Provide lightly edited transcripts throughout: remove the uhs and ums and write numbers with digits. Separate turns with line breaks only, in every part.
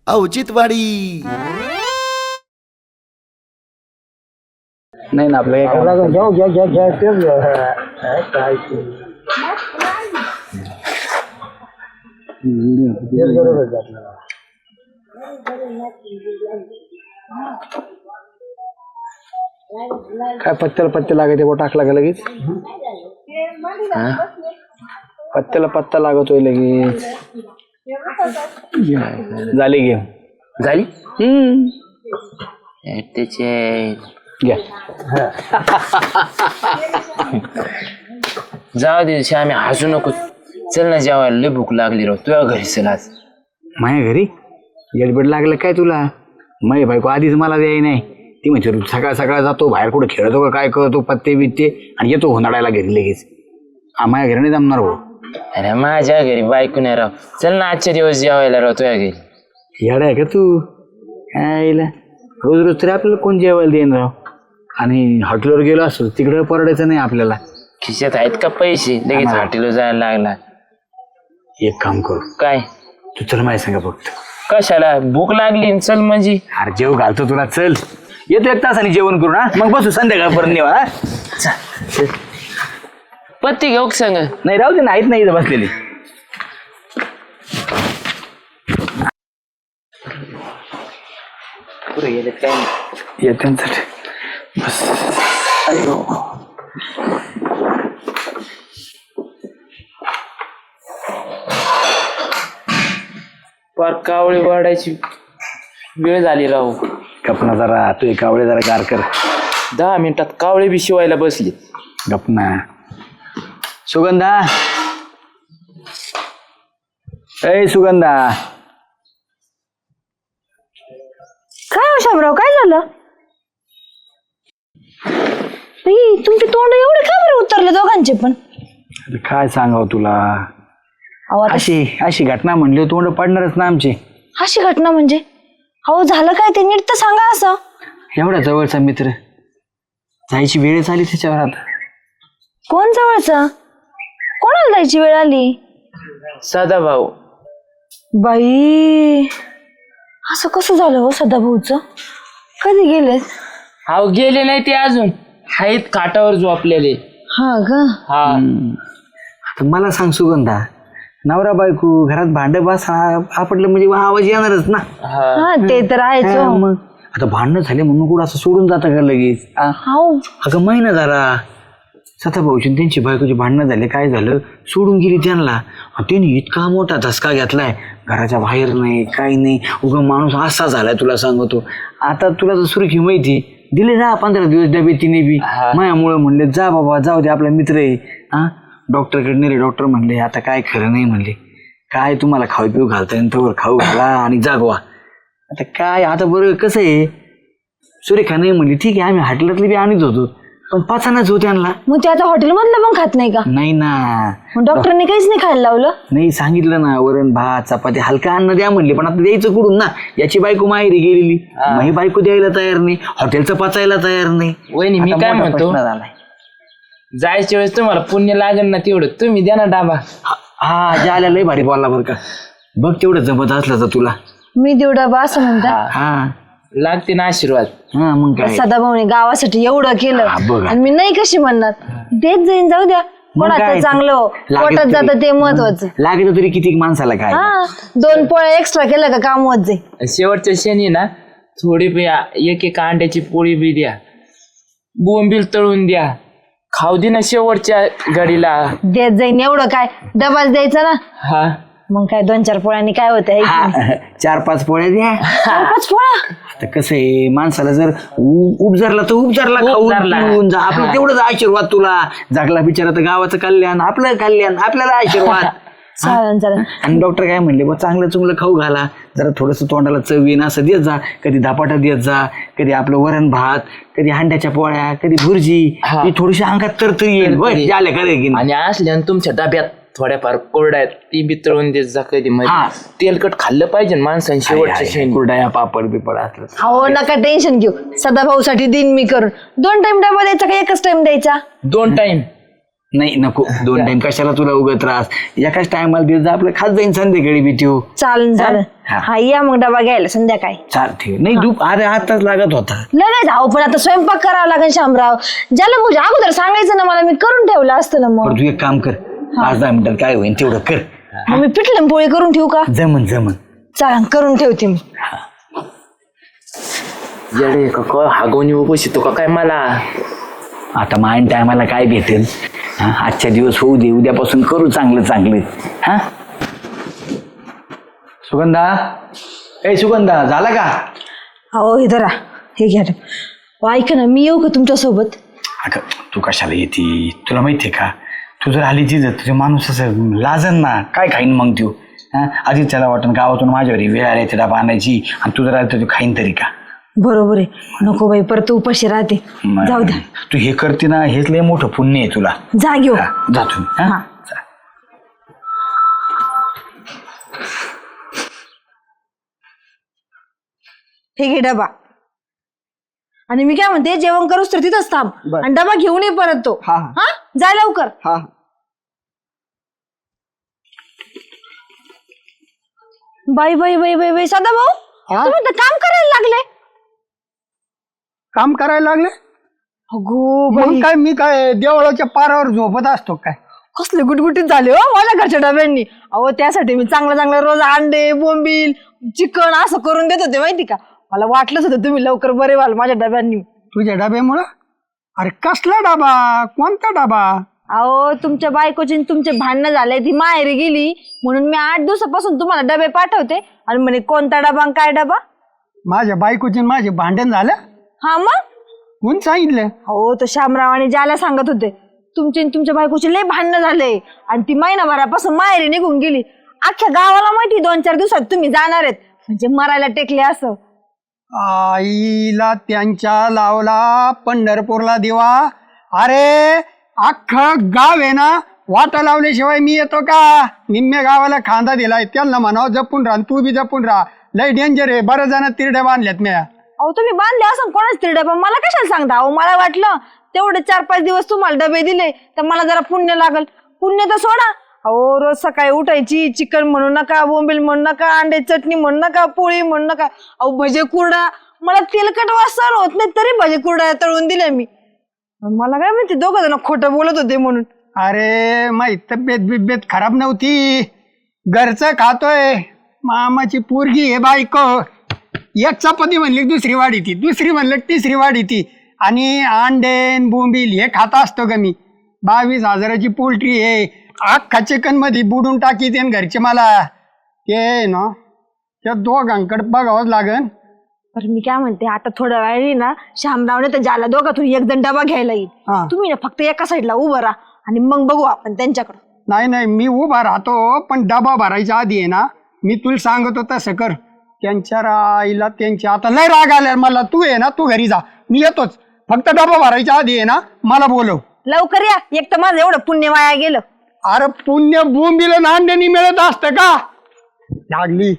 औचित्यवाडी.
नाही ना आपलं काय पत्ते लागत वो टाकला का लगेच पत्त्याला पत्ता लागतोय लगेच झाली गेम
झाली त्याचे
घ्या
जाऊ दे आम्ही हसू नको. चल ना जेवायला लय भूक लागली राव. तुझ्या घरी चल आज.
माझ्या घरी गडबड लागलं काय तुला? माझी बायको आधीच मला द्याय नाही. ती म्हणजे सकाळ सकाळ जातो बाहेर कुठे खेळतो का काय करतो पत्ते बित्ते आणि येतो हुंदाडायला घरी लगेच. माझ्या घरी नाही जमणार भाऊ.
अरे माझ्या घरी बायको नाही राव. चल ना आजच्या दिवस जेवायला राव तुझ्या घरी.
येडा आहे का तू? काय रोज रोज तरी आपल्याला कोण जेवायला देईन राव. आणि हॉटेलवर गेलो असतो तिकडे परवडायचं नाही आपल्याला.
खिशात आहेत का पैसे? लगेच हॉटेलवर जायला लागला.
एक काम करू
काय?
तू चल माझ्या सांगा फक्त.
कशाला? भूक लागली चल म्हणजे.
अरे जेव घालतो तुला. चल येतो 1 तासाने जेवण करू ना मग बसू संध्याकाळपर्यंत नेवा.
पत्ती घेऊ सांग.
नाही राहू दे नाहीत नाही बसलेली.
पुढे गेले काय
येते बस. अयो
पार कावळी वाढायची वेळ झाली राहू.
गपना जरा तू कावळे जरा गार कर.
10 मिनिटात कावळे बी शिवायला बसली.
गपना. सुगंधा ए सुगंधा.
काय हो शामराव काय झालं? तुमचे तोंड एवढे का बरं उतरले दोघांचे पण?
काय सांगाव तुला? अशी घटना म्हणली तोंड पडणारच ना आमची.
अशी घटना म्हणजे? अहो झालं काय ते नीट तर सांगा. असं
एवढा जवळचा मित्र जायची वेळच आली त्याच्यावर. आता
कोण जवळचा? कोणाला जायची वेळ आली?
सदा भाऊ.
बाई असं कसं झालं हो सदाभाऊच? कधी गेलेत?
अहो गेले नाही ते अजून आहेत काटावर झोपलेले.
हा का?
हा.
आता मला सांग सुगंधा, नवरा बायको घरात भांडं बस आपटलं म्हणजे आवाज येणारच ना.
हा ते तर आहेच.
मग आता भांडणं झाले म्हणून कुठं असं सोडून जातं का लगेच? अगं महिना झाला सदाभाऊची त्यांची बायकोची भांडणं झाले. काय झालं? सोडून गेली त्यांना. त्यांनी इतका मोठा धसका घेतलाय. घराच्या बाहेर नाही काही नाही. उगा माणूस असा झालाय तुला सांगतो. आता तुला तर सुरखी माहिती दिले जा 15 दिवस डबे तिने बी मायामुळे म्हणले जा बाबा जाऊ दे आपला मित्र आहे. हा डॉक्टरकडे नेले. डॉक्टर म्हणले आता काय खरं नाही म्हणले. काय तुम्हाला खाऊ पिऊ घालता येईल तोवर खाऊ घाला आणि जागवा. आता काय आता बरं कसं आहे सुरेखा नाही म्हणली ठीक आहे आम्ही हॉटेलातले बी आणत होतो पण पाचानाच होते आणला.
मग ते आता हॉटेलमधलं पण खात नाही का?
नाही ना.
मग डॉक्टरने काहीच नाही खायला लावलं?
नाही सांगितलं ना वरण भात चपाती हलका अन्न द्या म्हणले पण आता द्यायचं कुठून ना. याची बायको माहेरी गेलेली मग ही बायको द्यायला तयार नाही. हॉटेलचं पचायला तयार नाही.
वहिनी मी काय म्हणतो जायच्या वेळेस तुम्हाला पुण्य लागेल ना तेवढं तुम्ही द्या ना डाबा.
हा ज्याला लय भारी बोलला बरं का. बघ तेवढं जमत असलं तर तुला.
मी देऊ डबा असं म्हणता?
हा
लागते ना आशीर्वाद.
हा मग काय
सदाभाऊने गावासाठी एवढं केलं आणि मी नाही कशी म्हणणार. देत जाईन जाऊ द्या. कोणाचं चांगलं हो पोटात जातं ते महत्वाचं.
लागत तरी किती माणसाला काय.
2 पोळ्या एक्स्ट्रा केलं का काम होत जाईल.
शेवटच्या शनी ना थोडी एक अंड्याची पोळी बी द्या. बोंबील तळून द्या. खाऊ दे ना शेवटच्या घडीला.
देत जाईन एवढं काय डबाच द्यायचा ना.
हा
मग काय 2-4 पोळ्यांनी काय होतं?
4-5 पोळ्या द्या.
4-5 पोळ्या.
आता कसं आहे माणसाला जर उपजारला तर उपजारला खाऊन जा. आपलं तेवढंच आशीर्वाद तुला. जागला बिचारा तर गावाचं कल्याण आपलं कल्याण आपल्याला आशीर्वाद.
चालेल.
आणि डॉक्टर काय म्हणले बा चांगलं चुंगलं खाऊ घाला जरा थोडंसं तोंडाला चव येईन असं देत जा. कधी धपाटा देत जा कधी आपलं वरण भात कधी अंड्याच्या पोळ्या कधी भुर्जी. थोडीशी अंगात तर येईल
आणि असल्या तुमच्या डब्यात थोड्याफार कोरड्या ती बी तळून देत जा कधी. तेलकट खाल्लं पाहिजे माणसाने शेवटच्या
कुरड्या पापड बिपड असलं.
हो नका टेन्शन घेऊ. सदाभाऊसाठी दिन मी करून 2 टाइम डबा द्यायचा का एकच टाइम द्यायचा?
2 टाइम.
नाही नको 2 टाइम कशाला तुला उगा त्रास एकाच टायमाला देत जा आपलं खात जाईन संध्याकाळी बी त्यो
चालेल हा या मग डबा घ्यायला संध्याकाळी
चालते नाही अरे आताच लागत होता
लगेच आहो पण आता स्वयंपाक करावा लागेल शामराव ज्याला म्हणजे अगोदर सांगायचं ना मला मी करून ठेवलं असतं ना मग
बरं तू एक काम कर 5-10 मिनिटात काय होईल तेवढं कर
मग मी पिठलं पोळी करून ठेवू का
जमन
चला करून ठेवते मी
येडे का काय हागवणी उपशी तो का काय मला
आता माईन टायमाला काय भेटेल आजच्या दिवस होऊ दे उद्यापासून करू चांगलं हा सुगंधा झाला का
हो हे धरा हे घ्या ऐका ना मी येऊ का तुमच्यासोबत
अगं तू कशाला येते तुला माहितीये का तू जर आली तिथं तुझे माणूस असं लाजन ना काय खाईन मग तू आधीच त्याला वाटण गावातून माझ्यावर वेळ आली ते डबा आणायची आणि तू जर आली तर तू खाईन तरी का
बरोबर आहे नको बाई परत उपाशी राहते जाऊ द्या
तू हे करते ना हेच लय मोठं पुण्य आहे तुला
जा घेऊ
जातो
हे घे डबा आणि मी काय म्हणते जेवण करूच तर तिथंच थांब आणि डबा घेऊन ये परत तो हा जा लवकर बाई बाई बाई बाई बाई सदा भाऊ तुम्ही तर काम करायला लागले
काम करायला लागले
अगो
मग काय मी काय देवळाच्या पारावर झोपत असतो काय
कसले गुटगुटीत झाले हो माझ्या घरच्या डब्यांनी अहो त्यासाठी मी चांगलं रोज अंडे बोंबील चिकन असं करून देत होते माहिती का मला वाटलंच होतं तुम्ही लवकर बरे व्हाल माझ्या डब्यांनी
तुझ्या डब्यामुळं अरे कसला डबा कोणता डबा
अहो तुमच्या बायकोची तुमचे भांडणं झाले ती माहेरी गेली म्हणून मी 8 दिवसापासून तुम्हाला डबे पाठवते आणि म्हणे कोणता डबा आणि काय डबा
माझ्या बायकोची माझे भांडण झालं
हा मग
कोण सांगितलं
हो तो शामराव आणि ज्याला सांगत होते तुमचे तुमच्या बायकोचे लय भांडणं झाले आणि ती महिनाभरापासून माहेरी निघून गेली अख्ख्या गावाला माहिती 2-4 दिवसात तुम्ही जाणार आहेत म्हणजे मरायला टेकले असं
आईला त्यांच्या लावला पंढरपूरला दिवा अरे अख्खं गाव आहे ना वाटा लावल्याशिवाय मी येतो का निम्म्या गावाला खांदा दिलाय त्यांना म्हणावं जपून राहा तू बी जपून राहा लय डेंजर आहे बरं जण तिरड्या बांधल्यात म्या
अहो तुम्ही बांधले असं कोणाच तरी डबा मला कशाला सांगता अहो मला वाटलं तेवढे 4-5 दिवस तुम्हाला डबे दिले तर मला जरा पुण्य लागल पुण्य तर सोडा अहो रोज सकाळी उठायची चिकन म्हणू नका बोंबील म्हणू नका अंडे चटणी म्हणू नका पोळी म्हणू नका अहो भजे कुरडा मला तेलकट वास सहन होत नाही तरी भजे कुरडा तळून दिले मी मला काय माहिती 2 जण खोटं बोलत होते म्हणून
अरे माही तब्येत खराब नव्हती घरचं खातोय मामाची पोरगी हे बायको एक चपाती म्हणली दुसरी वाढी ती दुसरी म्हणलं तिसरी वाढी ती आणि अंडेन बोंबील हे खाता असतो का मी 22,000ची पोल्ट्री आहे अख्खा चिकन मध्ये बुडून टाकी ते घरचे मला ते ना त्या दोघांकडे बघावंच लागन
तर मी काय म्हणते आता थोड्या वेळाने ना शामरावने तर ज्याला दोघातून 1 जण डबा घ्यायला येईल तुम्ही ना फक्त एका साईडला उभं राहा आणि मग बघू आपण त्यांच्याकडं
नाही मी उभा राहतो पण डबा भरायच्या आधी आहे ना मी तुला सांगतो तसं कर त्यांच्या आईला त्यांच्या आता लय राग आल्या मला तू आहे ना तू घरी जा मी येतोच फक्त डबा भरायच्या आधी आहे ना मला बोलव
लवकर या एक तर माझं एवढं पुण्य वाया गेलं
अरे पुण्य बोंबीला नांदेणी मिळत असतं का लागली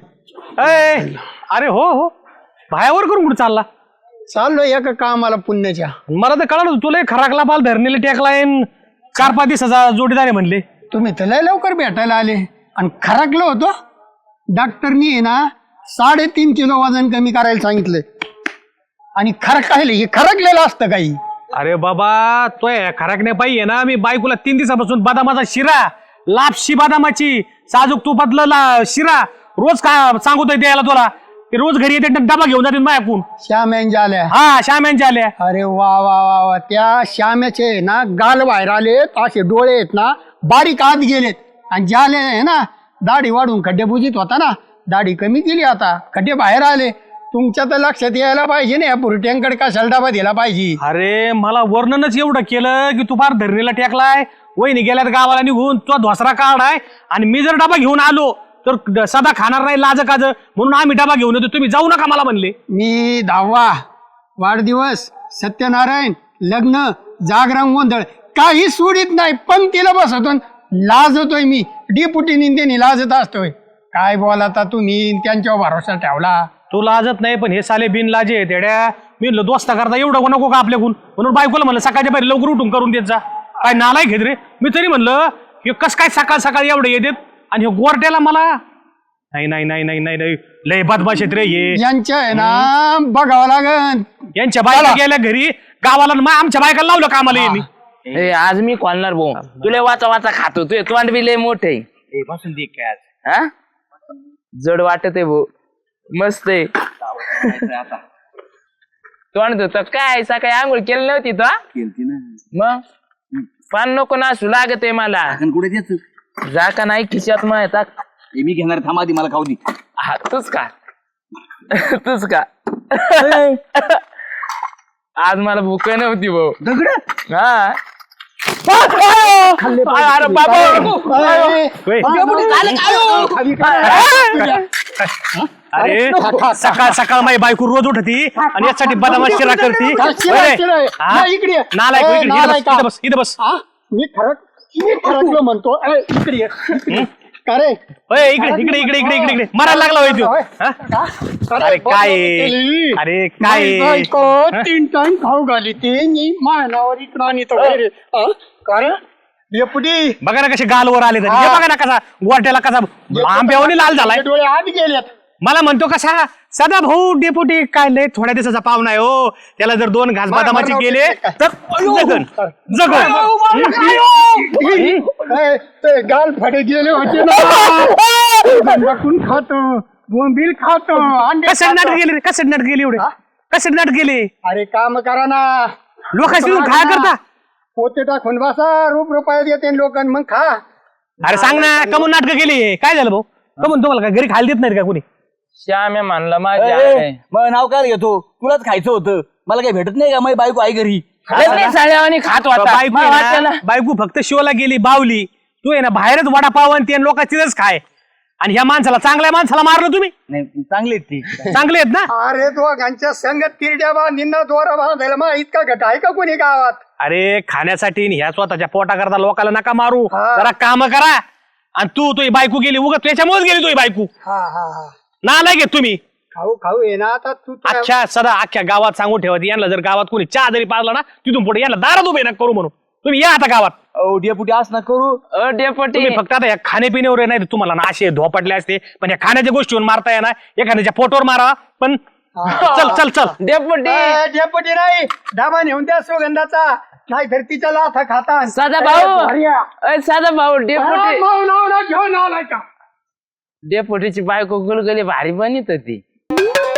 अरे हो बायावर करून कुठे चालला
चाललो एका कामाला पुण्याच्या
मला तर कळलं तुला खराकला पाल धरणीला टेकलाय 4-5 दिवसाचा जोडीदार आहे म्हणले
तुम्ही तर लय लवकर भेटायला आले आणि खराकलो होतो डॉक्टरनी आहे ना 3.5 किलो वजन कमी करायला सांगितलं आणि खरकायला हे खरकलेलं असतं काही
अरे बाबा तो खराकण्या पाहिजे ना मी बायकोला 3 दिवसापासून बदामाचा शिरा लापशी बदामाची साजूक तुपातला शिरा रोज का सांगतोय द्यायला तुला ते रोज घरी येते डबा घेऊन जाते माझ्याकडून
श्याम्यांच्या आल्या
श्याम्यांच्या आल्या
अरे वा वा वा वा त्या श्याम्याचे ना गाल बाहेर आलेत असे डोळे आहेत ना बारीक आत गेलेत आणि ज्याले आहे ना दाढी वाढून खड्डे बुजीत होता ना दाढी कमी केली आता खड्डे बाहेर आले तुमच्या तर लक्षात यायला पाहिजे ना या पुरट्यांकडे कशाला डबा दिला पाहिजे
अरे मला वर्णनच एवढं केलं की तू फार धरणीला टेकलाय वहिनी गेल्यात गावाला निघून तो धोसरा काढाय आणि मी जर डबा घेऊन आलो तर सदा खाणार नाही लाज काज म्हणून आम्ही डबा घेऊन येतो तुम्ही जाऊ नका मला म्हणले
मी 10वा वाढदिवस सत्यनारायण लग्न जागरण गोंधळ काही सोडित नाही पंक्तीला बसतो लाजतोय मी डिपुटी निंदेनी लाजत असतोय काय बोलाता तुम्ही त्यांच्यावर भरोसा ठेवला
तू लाजत नाही पण हे साले बिन लाजे आहेत येड्या मी दोस्ता करता एवढं नको का आपल्याकडून म्हणून बायकोला म्हणलं सकाळच्या पहिले लवकर उठून करून देत जा काय नालाय घेत रे. मी तरी म्हणलं हे कस काय सकाळ सकाळ एवढे येतात आणि हे गोरट्याला मला नाही नाही नाही नाही नाही नाही लय बदमाश आहेत रे हे.
यांच्या आहे ना बघावं लागन.
यांच्या बायका गेल्या घरी गावाला आणि आमच्या बायकाला लावलं कामाला यांनी.
आज मी खोलणार भाऊ तुला वाचा वाचा खातो तुझे तोंड बी लय मोठे
बसून दे काय आज.
हा जड वाटत आहे भाऊ मस्त आहे तोंड धुत काय सकाळी आंघोळ केली नव्हती तो
केलती ना.
मग पान नको नासू लागत आहे मला
आपण कुठे देत
जा का नाही खिशात मग येतात
मी घेणार थांबा आधी मला खाऊ दे.
हा तूच का तूच का आज मला भूक नव्हती भाऊ
दगड
हा अरे बाबा
अरे सकाळ सकाळ माझी बायको रोज उठती आणि यासाठी बदामा शिरा करती. नालायक बस इथं बस.
मी खरकलो म्हणतो. इकडे ये. का रे
इकडे इकडे इकडे इकडे इकडे इकडे मारायला लागला होय तू. अरे काय अरे काय
3 टाइम खाऊ घाली ते मानावर इकडं आणि तो कारण डेपुटी
बघा ना कसे गालवर आले तरी. हे बघा ना कसा गोट्याला कसा आंब्यावनी लाल झालाय.
डोळे आत गेलेत.
मला म्हणतो कसा सदा भाऊ डेपुटी काय लय थोड्या दिवसाचा पाहुणा आहे हो. त्याला जर 2 घास बदामाचे गेले तर जगन जगन.
ते गाल फडे गेले होते ना. खातो बोंबील खातो.
कसं नाटक गेले रे कसं नाटक गेले एवढे कसं नाटक गेले.
अरे काम करा ना.
लोकांची काय करता.
पोते टाकून बसा ₹1 येते लोक मग खा.
अरे सांग ना कमून नाटक केली काय झालं भाऊ कमून तुम्हाला काय घरी खायला देत नाही का कोणी.
श्याम्या म्हणला माझ्या
मग नाव काय घेतो तुलाच खायचं होतं मला काही भेटत नाही का माझी बायको आई घरी.
साड्यावानी खात होता
बायको आहे ना, बायको फक्त शिवला गेली बावली. तू आहे ना बाहेरच वडापाव आणि ते लोक तिथंच खाय आणि ह्या माणसाला चांगल्या माणसाला मारलं तुम्ही.
नाही चांगली आहेत ती.
चांगले आहेत ना.
अरे दोघांच्या संगत तिरड्या बांधींना दोरा बांधायला मग इतका घट आहे का कोणी गावात.
अरे खाण्यासाठी आणि ह्या स्वतःच्या पोटा करता लोकांना नका मारू. जरा काम करा. आणि तू बायको गेली उगत त्याच्यामुळेच गेली तुझी बायको. नालायक घेत तुम्ही.
खाऊ खाऊ ये ना आता तू
अच्छा सदा अख्ख्या गावात सांगून ठेवत यांना जर गावात कोणी चहा जरी पाजला ना तिथून पुढे यांना दारात उभे नका करू म्हणून. तुम्ही या आता गावात.
डेपुटी असं ना करू
डेपटी
तुम्ही फक्त आता या खाण्यापिण्यावर नाही तुम्हाला ना असे धोपटले असते पण या खाण्याच्या गोष्टीवर मारता येणार एखाद्याच्या पोटवर मारा पण चल चल चल.
डेपटी
डेपुटी नाही डाबा नेऊन द्या सुगंधाचा नाही तर तिच्या लाथा खाता.
साधा भाऊ साधा भाऊ डेपुटी
घेऊन आलाय का.
डेपुटीची बायको गुलगुली भारी बनित होती.